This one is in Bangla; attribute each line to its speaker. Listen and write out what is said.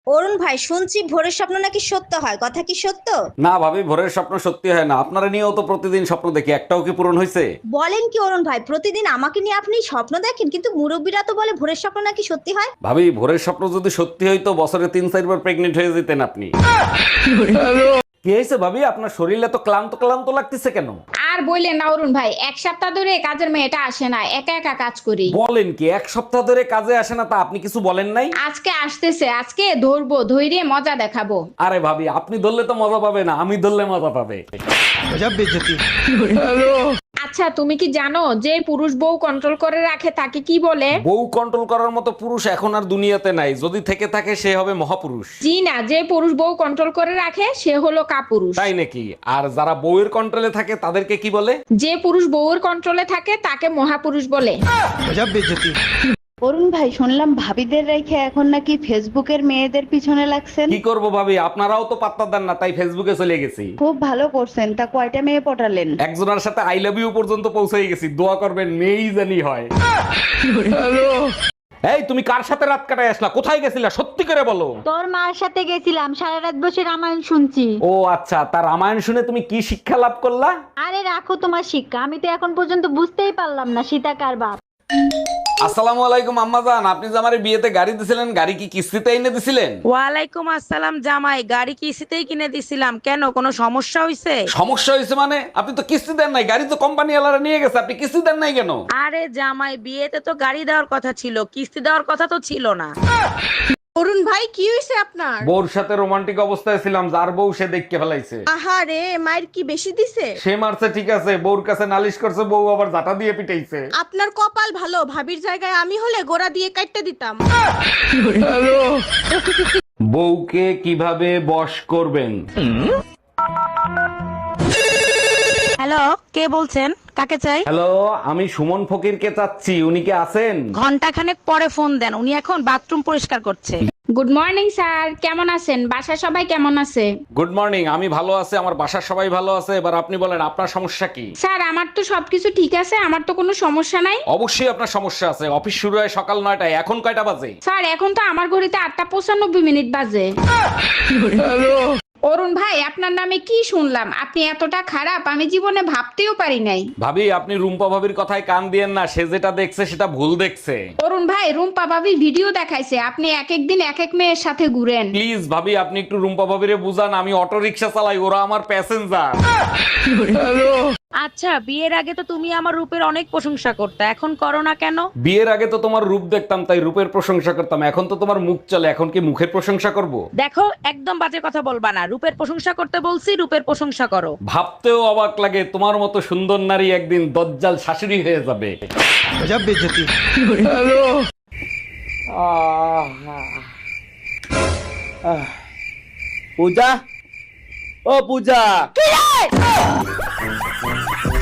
Speaker 1: অরুণ ভাই, শুনছি ভোরের স্বপ্ন নাকি সত্য হয়, কথা কি সত্য?
Speaker 2: না ভাবি, ভোরের স্বপ্ন সত্যি হয় না। আপনারা নিয়েও তো প্রতিদিন স্বপ্ন দেখি, একটাও কি পূরণ হয়েছে?
Speaker 1: বলেন কি অরুণ ভাই, প্রতিদিন আমাকে নিয়ে আপনি স্বপ্ন দেখেন, কিন্তু মুরব্বীরা তো বলে ভোরের স্বপ্ন নাকি সত্যি হয়।
Speaker 2: ভাবি, ভোরের স্বপ্ন যদি সত্যি হইতো বছরে 3-4 বার প্রেগনেন্ট হয়ে যেতেন আপনি। কি হয়েছে ভাবি, আপনার শরীর এত ক্লান্ত ক্লান্ত লাগতেছে কেন?
Speaker 3: আর বললেন না অরুণ ভাই, এক সপ্তাহ ধরে কাজের মেয়েটা আসে না, একা একা কাজ করি।
Speaker 2: বলেন কি, এক সপ্তাহ ধরে কাজে আসে না? তা আপনি কিছু বলেন নাই?
Speaker 3: আজকে আসতেছে, আজকে ধরবো, ধৈর্য মজা দেখাবো।
Speaker 2: আরে ভাবি, আপনি ধরলে তো মজা পাবে না, আমি ধরলে মজা পাবে।
Speaker 3: আচ্ছা, তুমি কি জানো যে পুরুষ বউ কন্ট্রোল করে রাখে তাকে কি বলে?
Speaker 2: বউ কন্ট্রোল করার মতো পুরুষ এখন আর দুনিয়াতে নাই, যদি থেকে থাকে সে হবে মহাপুরুষ।
Speaker 3: জি না, যে পুরুষ বউ কন্ট্রোল করে রাখে সে হলো কাপুরুষ।
Speaker 2: তাই নাকি? আর যারা বউয়ের কন্ট্রোলে থাকে তাদেরকে কি বলে?
Speaker 3: যে পুরুষ বউয়ের কন্ট্রোলে থাকে তাকে মহাপুরুষ বলে।
Speaker 4: অরুণ ভাই, শুনলাম ভাবিদের রেখে এখন নাকি ফেসবুকের মেয়েদের পিছনে লাগছেন।
Speaker 2: কি করব ভাবি, আপনারাও তো পাত্তা দেন না, তাই ফেসবুকে চলে গেছি।
Speaker 4: খুব ভালো করছেন। তা কয়টা মেয়ে পটালেন?
Speaker 2: একজনের সাথে আই লাভ ইউ পর্যন্ত পৌঁছে গেছি, দোয়া করবেন মেয়েই জানি হয়। এই তুমি কার সাথে রাত কাটায় আসলা? কোথায় গেছিলা সত্যি করে বলো।
Speaker 5: তোর মার সাথে গেছিলাম, সারা রাত বসে রামায়ণ শুনছি।
Speaker 2: ও আচ্ছা, তার রামায়ণ শুনে তুমি কি শিক্ষা লাভ করলা?
Speaker 5: আরে রাখো তোমার শিক্ষা, আমি তো এখন পর্যন্ত বুঝতেই পারলাম না সীতা কার বাপ।
Speaker 2: আসসালামু আলাইকুম আম্মাজান, আপনি যে আমারে বিয়েতে গাড়ি দিছিলেন, গাড়ি কি কিস্তিতে এনে দিছিলেন?
Speaker 6: ওয়ালাইকুম আসসালাম জামাই, গাড়ি কিস্তিতেই কিনে দিছিলাম। কেন, কোনো সমস্যা হয়েছে?
Speaker 2: সমস্যা হয়েছে মানে? আপনি তো কিস্তি দেন নাই, গাড়ি তো কোম্পানি ওয়ালারা নিয়ে গেছে, আপনি কিস্তি দেন নাই কেন?
Speaker 6: আরে জামাই, বিয়েতে তো গাড়ি দেওয়ার কথা ছিল, কিস্তি দেওয়ার কথা তো ছিল না।
Speaker 7: অরুণ ভাই, কি হয়েছে আপনার?
Speaker 2: বউর সাথে রোমান্টিক অবস্থায় ছিলাম, যার বউ সে দেখকে ফেলাইছে।
Speaker 7: আহারে, মায়ের কি বেশি দিছে?
Speaker 2: সে মারছে ঠিক আছে, বউর কাছে নালিশ করছে, বউ আবার জাটা দিয়ে পিটাইছে।
Speaker 7: আপনার কপাল ভালো, ভাবির জায়গায় আমি হলে গোড়া দিয়ে কাটতে দিতাম।
Speaker 2: বউকে কিভাবে বশ করবেন?
Speaker 6: হ্যালো, কে বলছেন? কাকে চাই?
Speaker 2: হ্যালো, আমি সুমন ফকিরকে চাচ্ছি, উনি কি আছেন?
Speaker 6: ঘন্টা খানেক পরে ফোন দেন, উনি এখন বাথরুম পরিষ্কার করছে।
Speaker 3: গুড মর্নিং স্যার, কেমন আছেন? বাসায় সবাই কেমন আছে?
Speaker 2: গুড মর্নিং, আমি ভালো আছি, আমার বাসার সবাই ভালো আছে। এবার আপনি বলেন আপনার সমস্যা কি?
Speaker 3: স্যার, আমার তো সবকিছু ঠিক আছে, আমার তো কোনো সমস্যা নাই।
Speaker 2: অবশ্যই আপনার সমস্যা আছে। অফিস শুরু হয় সকাল 9টায়, এখন কয়টা বাজে?
Speaker 3: স্যার, এখন তো আমার ঘড়িতে 8:95 বাজে। অরুণ ভাই, আপনার নামে কি শুনলাম? আপনি এতটা খারাপ আমি জীবনে ভাবতেও পারি নাই।
Speaker 2: ভাবি, আপনি রুম্পা ভাবির কথায় কান দিয়েন না, সে যেটা দেখছে সেটা ভুল দেখছে।
Speaker 3: অরুণ ভাই, রুম্পা ভাবি ভিডিও দেখাইছে আপনি এক এক দিন এক এক মেয়ের সাথে ঘুরেন।
Speaker 2: প্লিজ ভাবি, আপনি একটু রুম্পা ভাবিরে বুঝান, আমি অটো রিক্সা চালাই, ওরা আমার প্যাসেঞ্জার।
Speaker 6: আচ্ছা, বিয়ের আগে তো তুমি আমার রূপের অনেক প্রশংসা করতে, এখন করো না কেন?
Speaker 2: বিয়ের আগে তো তোমার রূপ দেখতাম তাই রূপের প্রশংসা করতাম, এখন তো তোমার মুখ চলে, এখন কি মুখের প্রশংসা করব?
Speaker 6: দেখো, একদম বাজে কথা বলবা না। রূপের প্রশংসা করতে বলছি, রূপের প্রশংসা করো।
Speaker 2: ভাবতেও অবাক লাগে, তোমার মতো সুন্দর নারী একদিন দজ্জাল শাশুড়ি হয়ে যাবে।
Speaker 8: পূজা, ও পূজা,